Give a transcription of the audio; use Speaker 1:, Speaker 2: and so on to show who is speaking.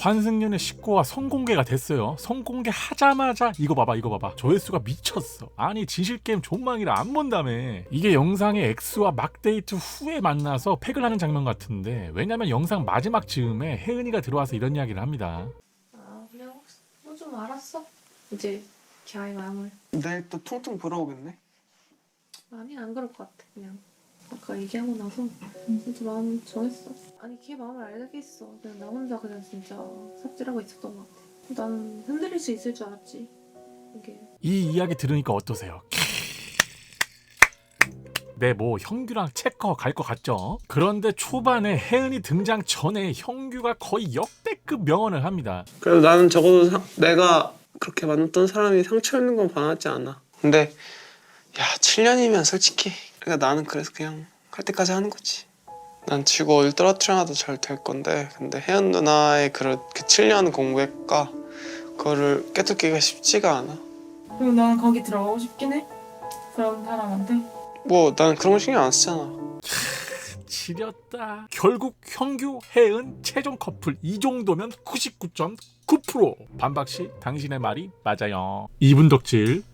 Speaker 1: 환승연애 19화 성공개가 됐어요. 성공개 하자마자 이거 봐봐 조회수가 미쳤어. 아니 진실게임 존망이라 안 본다며. 이게 영상의 엑스와 막 데이트 후에 만나서 팩을 하는 장면 같은데, 왜냐면 영상 마지막 즈음에 혜은이가 들어와서 이런 이야기를 합니다.
Speaker 2: 아 그냥 너 좀 알았어. 이제 걔의 마음을.
Speaker 3: 내일 또 퉁퉁 불어오겠네.
Speaker 2: 아니 안 그럴 것 같아. 그냥 아까 얘기하고 나서 진짜 마음 정했어. 아니 걔 마음을 알겠어. 그냥 나 혼자 그냥 진짜 삽질하고 있었던 것 같아. 나는 흔들릴 수 있을 줄 알았지. 이게
Speaker 1: 이 이야기 들으니까 어떠세요? 네, 뭐 형규랑 체커 갈 것 같죠? 그런데 초반에 혜은이 등장 전에 형규가 거의 역대급 명언을 합니다.
Speaker 3: 그래도 나는 적어도 내가 그렇게 만났던 사람이 상처 있는 건 반하지 않아. 근데 야 7년이면 솔직히, 그러니까 나는 그래서 그냥 할 때까지 하는 거지. 난 지구 어딜 떨어뜨려놔도 잘 될 건데, 근데 혜연 누나의 그 7년 공부했과 그거를 깨닫기가 쉽지가 않아.
Speaker 4: 그리고 나는 거기 들어가고 싶긴 해. 그런 사람한테.
Speaker 3: 뭐 나는 그런 거 신경 안 쓰잖아.
Speaker 1: 지렸다. 결국 형규, 혜은 최종 커플. 이 정도면 99.9%. 반박씨 당신의 말이 맞아요. 이분 덕질